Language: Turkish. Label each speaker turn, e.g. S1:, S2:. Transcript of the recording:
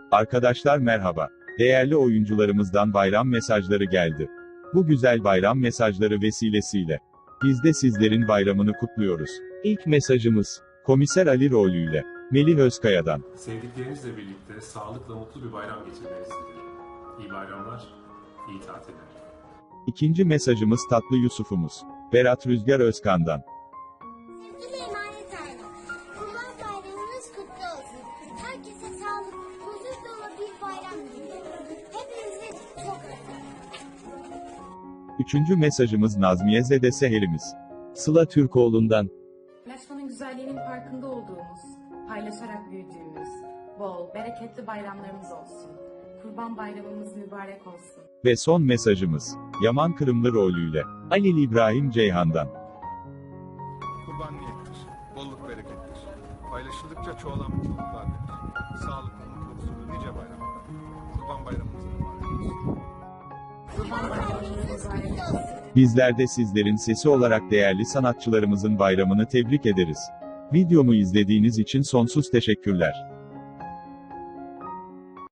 S1: Arkadaşlar merhaba. Değerli oyuncularımızdan bayram mesajları geldi. Bu güzel bayram mesajları vesilesiyle biz de sizlerin bayramını kutluyoruz. İlk mesajımız Komiser Ali rolüyle Melih Özkaya'dan.
S2: Sevdiklerinizle birlikte sağlıkla mutlu bir bayram geçirmenizi dilerim. İyi bayramlar, iyi tatiller.
S1: İkinci mesajımız Tatlı Yusuf'umuz Berat Rüzgar Özkan'dan.
S3: Sevgili emanet aile, Kurban Bayramınız kutlu olsun. Herkese sağlık, huzur dolu bir bayram diliyorum. Hepinizi çok özledim.
S1: Üçüncü mesajımız Nazmiye Zede Seherimiz Sıla Türkoğlu'ndan.
S4: Paylaşmanın güzelliğinin farkında olduğumuz, paylaşarak büyüdüğümüz, bol, bereketli bayramlarımız olsun. Kurban Bayramımız mübarek olsun.
S1: Ve son mesajımız Yaman Kırımlı rolüyle Halil İbrahim Ceyhan'dan.
S5: Kurban niyettir, bolluk berekettir. Paylaşıldıkça çoğalan mutluluklar verir. Sağlıklı, mutlu, huzurlu nice bayramlar. Kurban bayramımız mübarek olsun.
S4: Kurban Bayramımız mübarek olsun.
S1: Bizler de sizlerin sesi olarak değerli sanatçılarımızın bayramını tebrik ederiz. Videomu izlediğiniz için sonsuz teşekkürler.